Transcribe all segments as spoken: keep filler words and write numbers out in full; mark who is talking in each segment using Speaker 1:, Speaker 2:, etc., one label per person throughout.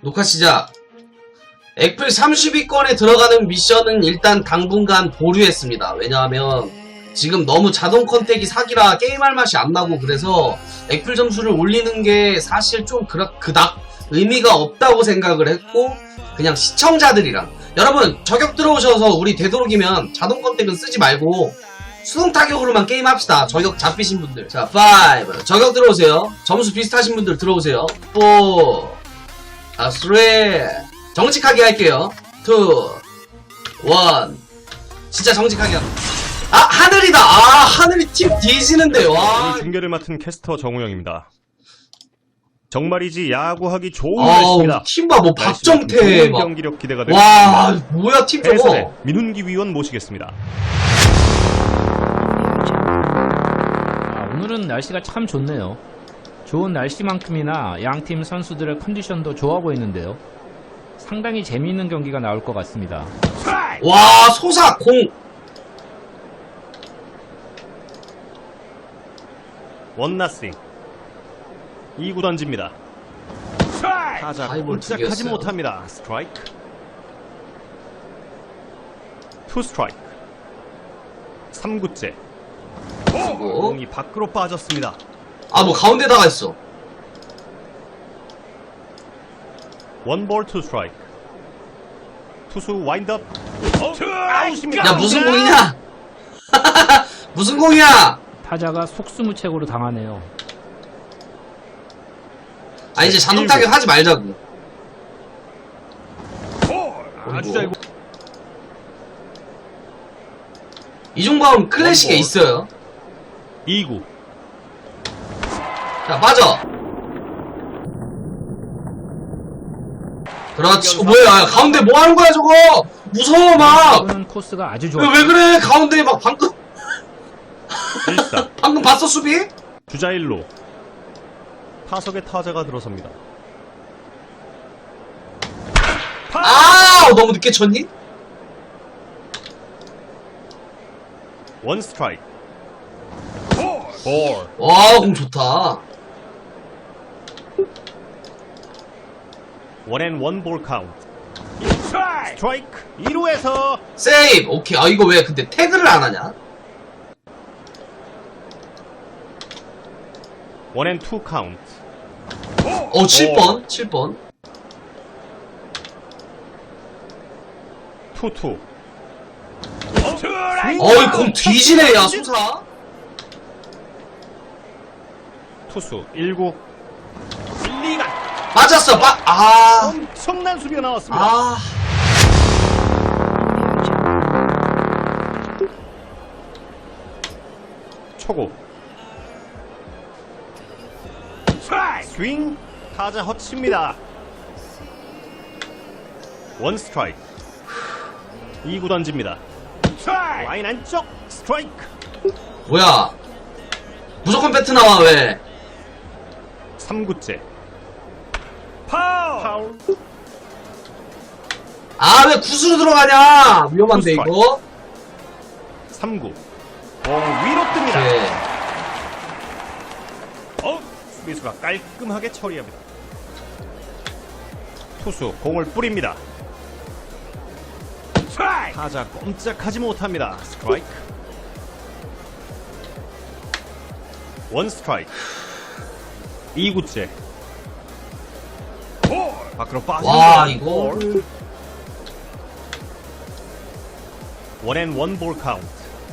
Speaker 1: 녹화 시작. 액플 삼십 위권에 들어가는 미션은 일단 당분간 보류했습니다. 왜냐하면 지금 너무 자동 컨택이 사기라 게임할 맛이 안 나고, 그래서 액플 점수를 올리는 게 사실 좀 그닥, 그닥 의미가 없다고 생각을 했고, 그냥 시청자들이랑 여러분 저격 들어오셔서 우리 되도록이면 자동 컨택은 쓰지 말고 수동 타격으로만 게임합시다. 저격 잡히신 분들. 자, 오 저격 들어오세요. 점수 비슷하신 분들 들어오세요. 사 아, 삼 정직하게 할게요. 이 일 진짜 정직하게 합니다. 아, 하늘이다. 아, 하늘이 팀 뒤지는데. 와.
Speaker 2: 오늘 중계를 맡은 캐스터 정우영입니다. 정말이지 야구하기 좋은
Speaker 1: 아우,
Speaker 2: 날씨입니다.
Speaker 1: 팀봐 뭐 박정태
Speaker 2: 좋은
Speaker 1: 막.
Speaker 2: 경기력 기대가 됩니다.
Speaker 1: 와, 뭐야 팀 저거.
Speaker 2: 해설의 민훈기 위원 모시겠습니다.
Speaker 3: 아, 오늘은 날씨가 참 좋네요. 좋은 날씨만큼이나 양팀 선수들의 컨디션도 좋아 보이는데요. 상당히 재미있는 경기가 나올 것 같습니다.
Speaker 1: 와, 소사 공.
Speaker 2: 원나싱 이 구 던집니다. 타자
Speaker 1: 하이볼 두
Speaker 2: 꼼짝하지
Speaker 1: 개였어요.
Speaker 2: 못합니다. 스트라이크. 투 스트라이크. 삼 구째.
Speaker 1: 그리고
Speaker 2: 공이 밖으로 빠졌습니다.
Speaker 1: 아, 뭐 가운데다가 있어.
Speaker 2: 원볼 투 스트라이크. 투수 와인드업. 아웃입니다.
Speaker 1: 야, 무슨 공이냐? 무슨 공이야?
Speaker 3: 타자가 속수무책으로 당하네요.
Speaker 1: 아, 이제 자동 타격 하지 말자고.
Speaker 2: 아주 잘.
Speaker 1: 이종범 클래식에
Speaker 2: 원볼.
Speaker 1: 있어요.
Speaker 2: 이 구.
Speaker 1: 자, 빠져. 그렇지. 어, 뭐야? 야, 가운데 뭐 하는 거야, 저거? 무서워, 막.
Speaker 3: 이거는 코스가 아주
Speaker 1: 왜,
Speaker 3: 좋아요.
Speaker 1: 왜 그래? 가운데 막 방금.
Speaker 2: 일 사.
Speaker 1: 방금 봤어, 수비?
Speaker 2: 주자 일 루. 타석에 타자가 들어섭니다.
Speaker 1: 아, 너무 늦게 쳤니?
Speaker 2: 원 스트라이크. 볼.
Speaker 1: 와, 공 좋다.
Speaker 2: 원앤 원볼 카운트. 스트라이크. 일 루에서
Speaker 1: 세이브. 오케이. 아, 이거 왜 근데 태그를 안 하냐?
Speaker 2: 원앤 투 카운트.
Speaker 1: 어, 칠 번. 칠 번.
Speaker 2: 투 투.
Speaker 1: 어이, 공 뒤지네, 야, 소사.
Speaker 2: 투수 일 구. 리가
Speaker 1: 맞았어, 빠, 아.
Speaker 2: 엄청난 수비가 나왔습니다.
Speaker 1: 아.
Speaker 2: 초구. 스윙. 타자 허치입니다. 원 스트라이크. 이 구 던집니다. 라인 안쪽. 스트라이크.
Speaker 1: 뭐야. 무조건 배트 나와, 왜.
Speaker 2: 삼 구째. 파울. 파울.
Speaker 1: 아, 왜 구수로 들어가냐? 위험한데,
Speaker 2: 투스트라이크.
Speaker 1: 이거.
Speaker 2: 삼 구. 공 위로 뜹니다.
Speaker 1: 네.
Speaker 2: 어, 수비수가 깔끔하게 처리합니다. 투수 공을 뿌립니다. 타자 꼼짝하지 못합니다. 스트라이크. 원 스트라이크. 이 구째. 밖으로 빠집니다.
Speaker 1: 와, 이거.
Speaker 2: 원앤 원볼 카운트.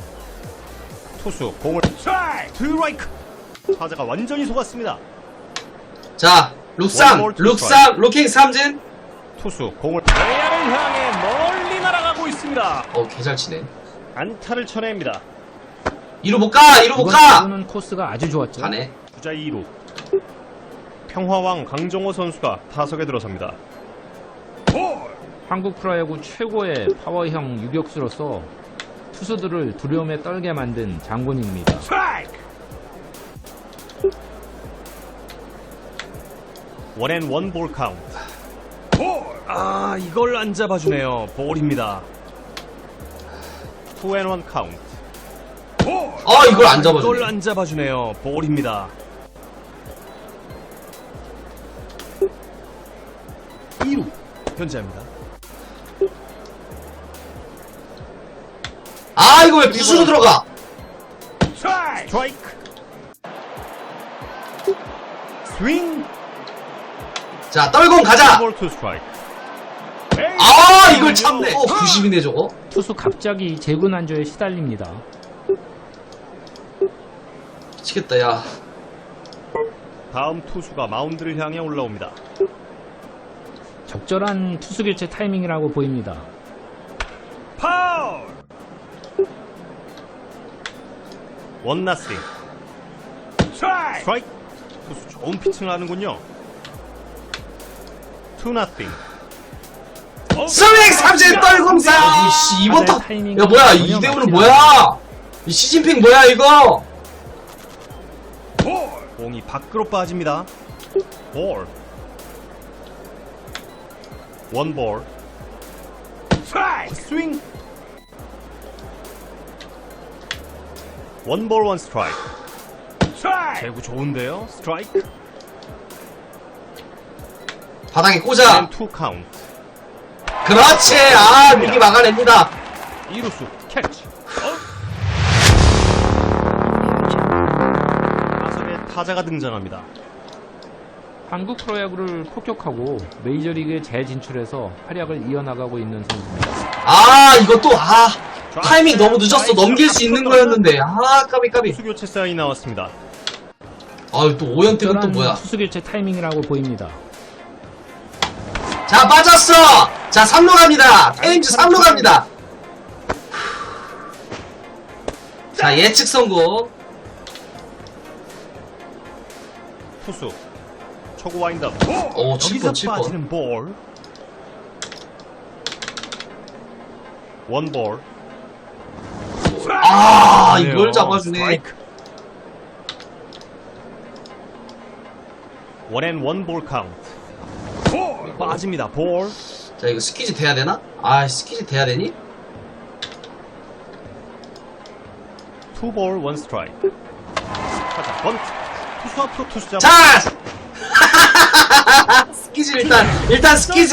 Speaker 2: 투수 공을 스트라이크. 타자가 완전히 속았습니다.
Speaker 1: 자, 룩삼,
Speaker 2: 원볼 투
Speaker 1: 룩삼, 루킹 삼진.
Speaker 2: 투수 공을 외야를 향해 멀리 날아가고 있습니다.
Speaker 1: 어, 개잘 치네.
Speaker 2: 안타를 쳐냅니다.
Speaker 1: 이루 못 가, 이루 못 가!
Speaker 3: 이거는 코스가 아주 좋았죠.
Speaker 1: 가네.
Speaker 2: 주자 이 루. 평화왕 강정호 선수가 타석에 들어섭니다.
Speaker 3: 한국 프로야구 최고의 파워형 유격수로서 투수들을 두려움에 떨게 만든 장군입니다.
Speaker 2: 원앤 원볼 카운트. 아, 이걸 안 잡아주네요. 볼입니다. 투 앤 원 카운트.
Speaker 1: 아, 이걸 안
Speaker 2: 이걸
Speaker 1: 잡아주네.
Speaker 2: 안 잡아주네요. 볼입니다. 이 루 견제합니다.
Speaker 1: 아 이거 왜 부수로 들어가?
Speaker 2: 스트라이크. 스윙.
Speaker 1: 자 떨공 가자.
Speaker 2: 볼 투 스트라이크.
Speaker 1: 아 이걸 참네. 어 구십이네 저거.
Speaker 3: 투수 갑자기 재군안조에 시달립니다.
Speaker 1: 미치겠다 야.
Speaker 2: 다음 투수가 마운드를 향해 올라옵니다.
Speaker 3: 적절한 투수 교체 타이밍이라고 보입니다.
Speaker 2: 파울. 원 나싱. 스트라이크. 투수 좋은 피칭을 하는군요. 투 나싱.
Speaker 1: 스윙 삼진 떨공사. 이씨 이번 타. 야 뭐야 이대우는 뭐야? 이 시진핑 뭐야 이거?
Speaker 2: 공이 밖으로 빠집니다. 볼. 원 볼. 스윙. 원 볼 원 스트라이크. 제구 좋은데요. 스트라이크.
Speaker 1: 바닥에 꽂아.
Speaker 2: 투 카운트.
Speaker 1: 그렇지. 아 미리 막아냅니다.
Speaker 2: 이루수 캐치. 타석에 타자가 등장합니다.
Speaker 3: 한국 프로야구를 폭격하고 메이저리그에 재진출해서 활약을 이어나가고 있는 선수입니다.
Speaker 1: 아 이것도 아 타이밍 너무 늦었어. 넘길 수 있는 거였는데 아 까비 까비.
Speaker 2: 투수 교체 사인이 나왔습니다.
Speaker 1: 아또 오연택은 또
Speaker 3: 적절한
Speaker 1: 뭐야?
Speaker 3: 투수 교체 타이밍이라고 보입니다.
Speaker 1: 자 빠졌어. 자 삼 루 갑니다. 테임즈 삼 루 갑니다. 자 예측 성공.
Speaker 2: 투수 초구 와인드업.
Speaker 1: 오 칠 번
Speaker 2: 여기서
Speaker 1: 칠 번.
Speaker 2: 빠지는 볼. 원 볼.
Speaker 1: 아 이걸 잡아주네.
Speaker 2: 원앤 원 볼 카운트. 빠집니다. 볼.
Speaker 1: 자 이거 스키즈 돼야 되나? 아 스키즈 돼야 되니?
Speaker 2: 투 볼 원 스트라이크. 타자 번트. 투수 앞으로 투수 잡아.
Speaker 1: 자 스키즈 일단 일단 스키즈.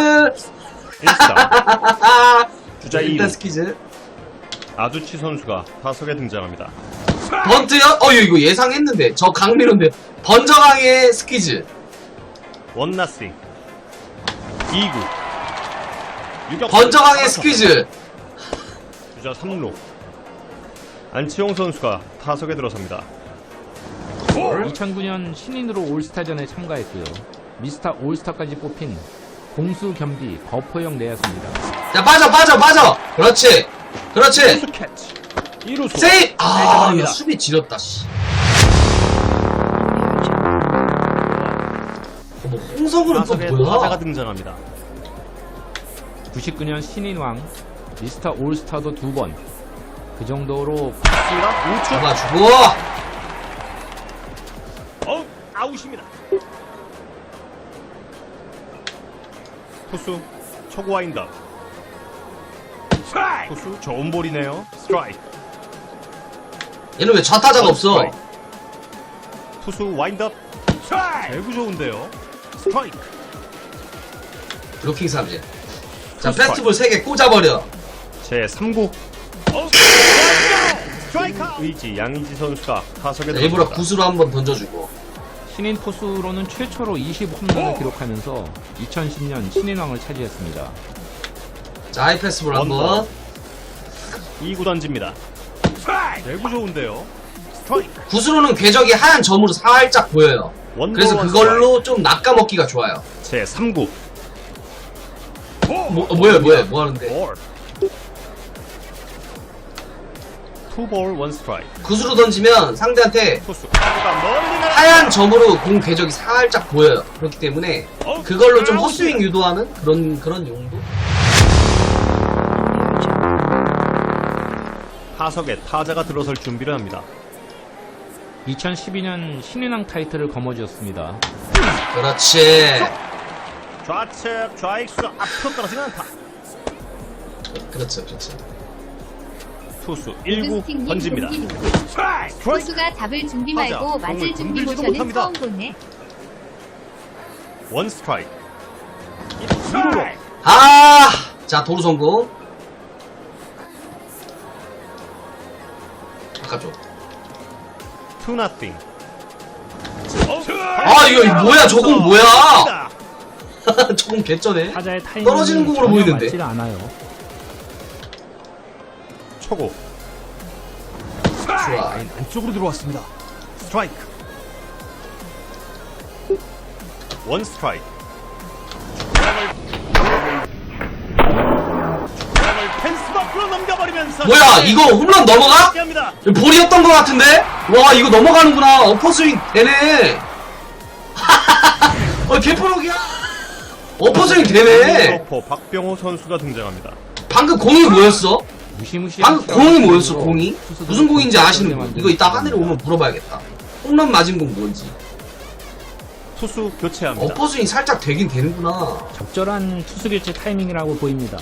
Speaker 2: 일사. 주자 이 루.
Speaker 1: 일단 스키즈.
Speaker 2: 아두치 선수가 타석에 등장합니다.
Speaker 1: 번트요? 어 이거 예상했는데 저 강민호인데 번저강의 스키즈.
Speaker 2: 원 나싱. 이 구. 유격.
Speaker 1: 번저강의 스키즈.
Speaker 2: 주자 삼 루. 안치홍 선수가 타석에 들어섭니다.
Speaker 3: 이천구 년 신인으로 올스타전에 참가했고요. 미스터 올스타까지 뽑힌 공수 겸비 거포형 내야수입니다.
Speaker 1: 자 빠져 빠져 빠져. 그렇지 그렇지.
Speaker 2: 투수 캐치. 이루수.
Speaker 1: 세이브. 아
Speaker 2: 잡아냅니다.
Speaker 1: 이거 수비 지렸다 씨. 어, 뭐 홍성우는 또
Speaker 2: 타석에 타자가
Speaker 1: 뭐야?
Speaker 2: 등장합니다.
Speaker 3: 구십구 년 신인왕 미스터 올스타도 두 번. 그 정도로
Speaker 2: 스가 우측.
Speaker 1: 잡아주고.
Speaker 2: 어, 아웃입니다. 투수 초구 와인드업. 투수 좋은 볼이네요. 스트라이크.
Speaker 1: 얘는 왜 좌타자가 없어?
Speaker 2: 스트라이크. 투수 와인드업. 제구 좋은데요. 스트라이크.
Speaker 1: 블로킹 삼진. 자
Speaker 2: 투
Speaker 1: 페스티벌 세 개 꽂아버려.
Speaker 2: 제 삼 구. 스트라이크. 의지 양의지 선수가 타석에
Speaker 1: 자, 일부러
Speaker 2: 들어섭니다.
Speaker 1: 구수로 한번 던져주고.
Speaker 3: 신인 포수로는 최초로 이십 홈런을 기록하면서 이천십 년 신인왕을 차지했습니다.
Speaker 1: 자 하이패스볼 한번.
Speaker 2: 원볼. 이 구 던집니다. 제구 좋은데요. 스트라이크.
Speaker 1: 구수로는 궤적이 하얀 점으로 살짝 보여요.
Speaker 2: 원볼
Speaker 1: 그래서
Speaker 2: 원
Speaker 1: 그걸로 좀 낚아먹기가 좋아요.
Speaker 2: 제 삼 구.
Speaker 1: 뭐, 어, 뭐야 뭐야 뭐 하는데?
Speaker 2: 볼. 투 볼 원 스트라이크.
Speaker 1: 구수로 던지면 상대한테
Speaker 2: 투수 타구가 멀리 날아.
Speaker 1: 하얀 점으로 공 궤적이 살짝 보여요. 그렇기 때문에 그걸로 좀 헛스윙 유도하는 그런 그런 용도.
Speaker 2: 타석에 타자가 들어설 준비를 합니다.
Speaker 3: 이천십이 년 신인왕 타이틀을 거머쥐었습니다.
Speaker 1: 그렇지.
Speaker 2: 좌측 좌익수 앞으로 떨어지는 안타.
Speaker 1: 그렇죠 그렇죠.
Speaker 2: 투수 일 구
Speaker 4: 스팅님
Speaker 2: 던집니다.
Speaker 4: 동기누구.
Speaker 2: 스트라이크.
Speaker 4: 투수가 잡을 준비 말고
Speaker 2: 타자,
Speaker 4: 맞을
Speaker 2: 공을
Speaker 4: 준비
Speaker 2: 건들지도
Speaker 4: 모션은
Speaker 2: 못합니다.
Speaker 4: 처음 보네.
Speaker 2: 원 스트라이크. 이루로
Speaker 1: 아, 자 도루 성공. 바꿔줘.
Speaker 2: 투 나띵.
Speaker 1: 아 이거 이거 뭐야? 저공 뭐야? 저공 개쩌네.
Speaker 3: 타자의 타이밍이
Speaker 1: 떨어지는 공으로
Speaker 3: 전혀
Speaker 1: 보이는데.
Speaker 3: 맞질 않아요.
Speaker 2: 초고.
Speaker 1: 좋아.
Speaker 2: 라인 안쪽으로 들어왔습니다. 스트라이크. 원 스트라이크. 펜스 밖으로 넘겨버리면서
Speaker 1: 뭐야? 이거 홈런 넘어가?
Speaker 2: 합니다.
Speaker 1: 이거 볼이었던 것 같은데? 와 이거 넘어가는구나. 어퍼스윙 되네. 어 개프로기야. 어퍼스윙 되네.
Speaker 2: 러퍼 박병호 선수가 등장합니다.
Speaker 1: 방금 공이 뭐였어?
Speaker 3: 무시무시한
Speaker 1: 방금 공이 뭐였어?
Speaker 3: 스트라이크로
Speaker 1: 공이?
Speaker 3: 투수들을
Speaker 1: 무슨 공인지 아시는 분?
Speaker 3: 만드는
Speaker 1: 이거 이따
Speaker 3: 겁니다.
Speaker 1: 하늘에 오면 물어봐야겠다. 홈런 맞은 공 뭔지.
Speaker 2: 투수 교체합니다.
Speaker 1: 어퍼스윙 살짝 되긴 되는구나.
Speaker 3: 적절한 투수 교체 타이밍이라고 보입니다.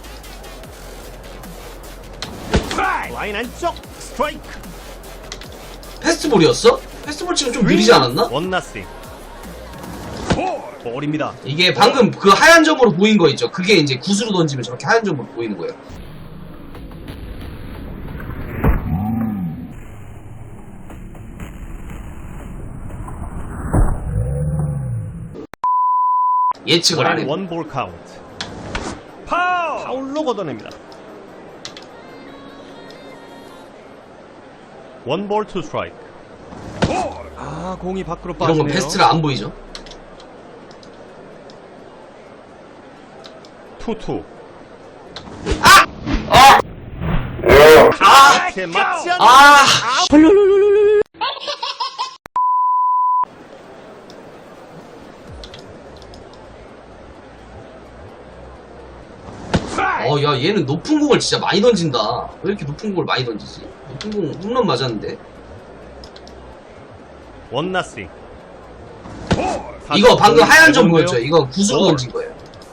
Speaker 2: 라인 안쪽 스트라이크.
Speaker 1: 패스트볼이었어? 패스트볼 치면 좀 느리지 않았나?
Speaker 2: 원 나싱. 볼입니다.
Speaker 1: 이게 방금 그 하얀 점으로 보인 거 있죠? 그게 이제 구수로 던지면 저렇게 하얀 점으로 보이는 거예요. 예측을 안 해.
Speaker 2: 원볼 카운트. 파울! 파울로 걷어냅니다. 원볼 투 스트라이크. 아, 공이 밖으로
Speaker 1: 이런
Speaker 2: 빠지네요.
Speaker 1: 건 패스트라 안 보이죠?
Speaker 2: 투투.
Speaker 1: 아! 아!
Speaker 2: 제 맞지 않는
Speaker 1: 아! 어, 야, 얘는 높은 공을 진짜 많이 던진다. 왜 이렇게 높은 공을 많이 던지지? 높은 공 홈런 맞았는데.
Speaker 2: 원 나싱.
Speaker 1: 이거 방금 하얀 점 보였죠? 이거 구수로 던진 거예요.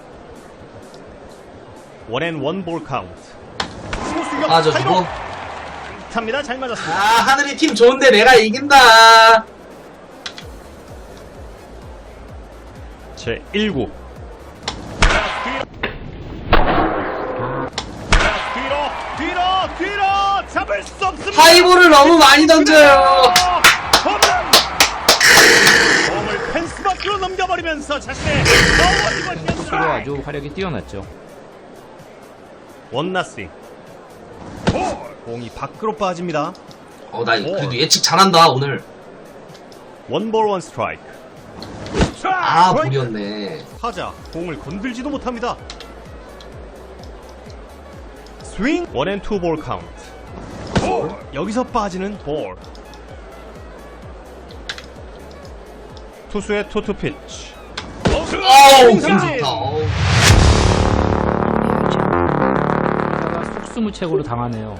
Speaker 2: 원앤 원볼 카운트.
Speaker 1: 아, 저 저거.
Speaker 2: 탑니다. 잘
Speaker 1: 아,
Speaker 2: 맞았습니다.
Speaker 1: 하늘이 팀 좋은데 내가 이긴다.
Speaker 2: 제 일 구. 뒤로, 뒤로, 뒤로 잡을 수 없습니다.
Speaker 1: 하이볼을 너무 많이 던져요.
Speaker 2: 홈런! 공을 펜스 밖으로 넘겨버리면서 자신의
Speaker 3: 투수로 아주 화력이 뛰어났죠.
Speaker 2: 원 나싱. 공이 밖으로 빠집니다.
Speaker 1: 어, 나 그래도 예측 잘한다, 오늘.
Speaker 2: 원볼 원 스트라이크.
Speaker 1: 아, 볼이었네.
Speaker 2: 타자 공을 건들지도 못합니다. 스윙 원앤 투 볼 카운트. 여기서 빠지는 볼. 투수의 투투 피치.
Speaker 1: 어우, 공
Speaker 2: 삼진.
Speaker 1: 좋다. 어우.
Speaker 3: 타자가 속수무책으로 당하네요.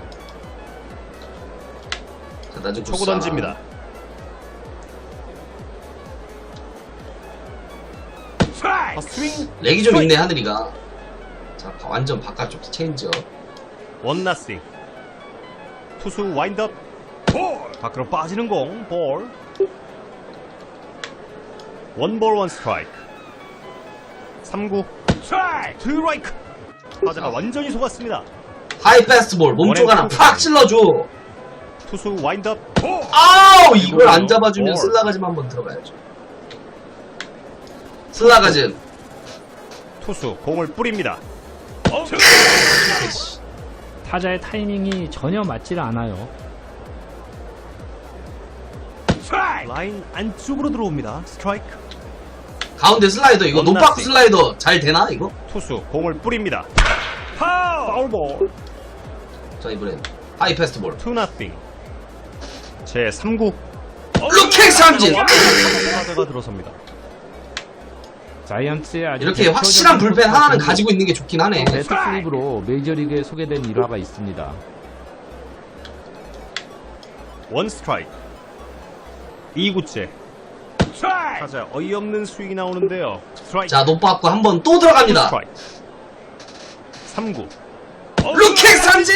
Speaker 1: 자, 나좀
Speaker 2: 초구 던집니다. 아, 스윙
Speaker 1: 렉이 좀 있네, 하늘이가. 자, 완전 바깥쪽 체인지업.
Speaker 2: 원 나싱. 투수 와인드업. 밖으로 빠지는 공. 볼. 원볼 원 스트라이크. 삼 구. 스트라이크. 타자가 완전히 속았습니다.
Speaker 1: 하이 패스트볼, 몸쪽 하나 팍 찔러줘.
Speaker 2: 투수 와인드업.
Speaker 1: 아우, 이걸 안 잡아주면
Speaker 2: 볼.
Speaker 1: 슬라가즘 한번 들어가야죠. 슬라가즘.
Speaker 2: 투수 공을 뿌립니다.
Speaker 3: 타자의 타이밍이 전혀 맞질 않아요.
Speaker 2: 라인 안쪽으로 들어옵니다. 스트라이크.
Speaker 1: 가운데 슬라이더, 이거
Speaker 2: 원나싱.
Speaker 1: 노파크 슬라이더 잘 되나, 이거?
Speaker 2: 투수 공을 뿌립니다. 파울 볼.
Speaker 1: 자, 이번엔 하이 패스트볼.
Speaker 2: 투 나띵. 제 삼 구.
Speaker 1: 루킹 삼진!
Speaker 2: 타자가 들어섭니다.
Speaker 3: 자이언츠의 아주
Speaker 1: 이렇게
Speaker 3: 대표적인
Speaker 1: 확실한 불펜 하나는
Speaker 3: 선수,
Speaker 1: 가지고 있는 게 좋긴 하네.
Speaker 3: 배트 슬립으로 메이저리그에 소개된 일화가 있습니다.
Speaker 2: 원 스트라이크. 이 구째. 타자 어이없는 스윙이 나오는데요. 스트라이크.
Speaker 1: 자, 노빠꾸 한번 또 들어갑니다.
Speaker 2: 스트라이크. 삼 구.
Speaker 1: 루킹 삼진!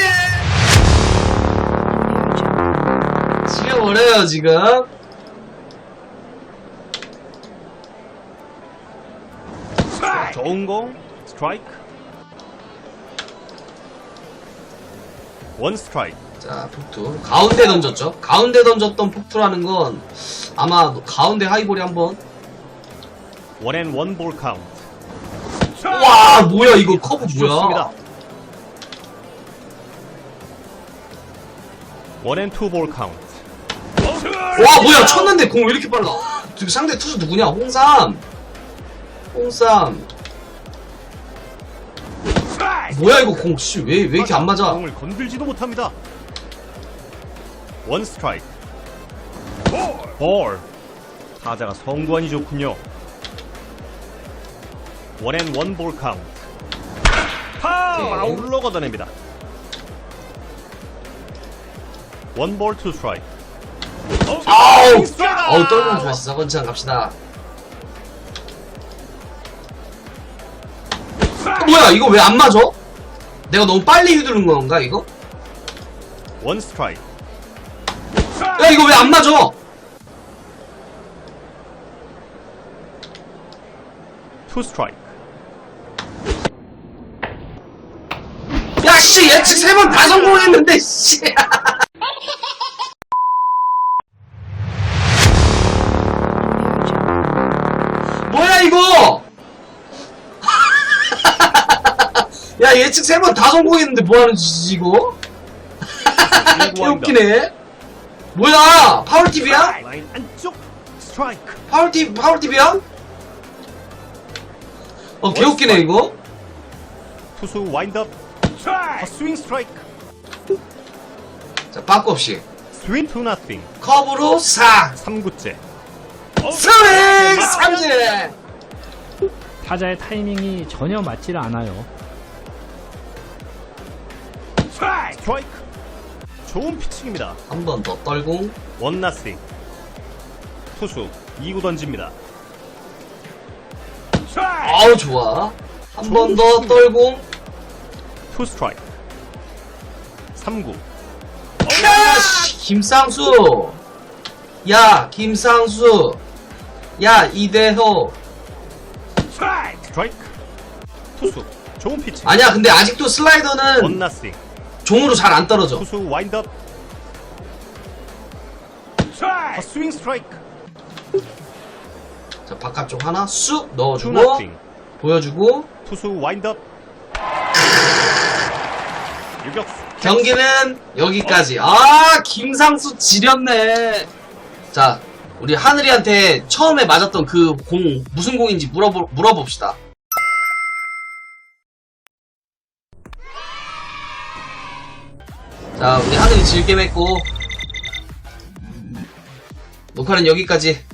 Speaker 1: 지겨버려요, 지금.
Speaker 2: 좋은 공 스트라이크. 원 스트라이크.
Speaker 1: 자, 폭투. 가운데 던졌죠. 가운데 던졌던 폭투라는 건 아마 가운데 하이볼이 한번.
Speaker 2: 원앤 원볼 카운트.
Speaker 1: 와, 뭐야, 이거 커브
Speaker 2: 좋습니다.
Speaker 1: 뭐야.
Speaker 2: 원앤 투볼 카운트.
Speaker 1: 와, 뭐야, 쳤는데 공 왜 이렇게 빨라. 지금 상대 투수 누구냐? 홍삼. 홍삼. 뭐야, 이거 공, 씨, 왜, 왜 이렇게 안 맞아?
Speaker 2: 공을 건들지도 못합니다. 원 스트라이크. 볼. 타자가 성구안이 좋군요. 원앤 원볼 카운트. 파
Speaker 1: 오케이.
Speaker 2: 아웃로 걷어냅니다. 원볼 투 스트라이크.
Speaker 1: 아우! 아우, 떨면 좋았어. 건창 갑시다. 어, 뭐야, 이거 왜 안 맞아? 내가 너무 빨리 휘두른 건가, 이거?
Speaker 2: 원 스트라이크.
Speaker 1: 야, 이거 왜 안 맞아?
Speaker 2: 투 스트라이크.
Speaker 1: 야, 씨, 예측 세 번 다 성공했는데, 씨. 뭐야, 이거? 야, 예측 세 번 다 성공했는데 뭐하는 짓이지, 이거? 개웃기네. 뭐야, 파울팁이야?
Speaker 2: 라인 안쪽 스트라이크.
Speaker 1: 파울팁, 파울팁이야? 어, 개웃기네, 이거?
Speaker 2: 투수 와인드업. 스윙 스트라이크.
Speaker 1: 자, 빠꾸 없이.
Speaker 2: 스윙 투 나띵.
Speaker 1: 커브로 사.
Speaker 2: 삼 구째.
Speaker 1: 스윙 삼진!
Speaker 3: 타자의 타이밍이 전혀 맞지를 않아요.
Speaker 2: 스트라이크. 좋은 피칭입니다.
Speaker 1: 한 번 더 떨공.
Speaker 2: 원 나싱. 투수 이 구 던집니다.
Speaker 1: 아우, 좋아. 한 번 더 떨공.
Speaker 2: 투 스트라이크. 삼 구.
Speaker 1: 야, 씨, 김상수. 야, 김상수. 야, 이대호.
Speaker 2: 스트라이크. 투수 좋은 피칭.
Speaker 1: 아니야, 근데 아직도
Speaker 2: 원
Speaker 1: 슬라이더는
Speaker 2: 나싱.
Speaker 1: 종으로 잘 안 떨어져.
Speaker 2: 투수 와인드업. 스윙 스트라이크.
Speaker 1: 자, 바깥쪽 하나 쑥
Speaker 2: 투
Speaker 1: 넣어주고.
Speaker 2: 나싱.
Speaker 1: 보여주고.
Speaker 2: 투수 와인드업. 유격수.
Speaker 1: 경기는 여기까지. 아, 김상수 지렸네. 자, 우리 하늘이한테 처음에 맞았던 그 공 무슨 공인지 물어보, 물어봅시다. 자, 우리 하늘이 질게 맺고 녹화는 여기까지.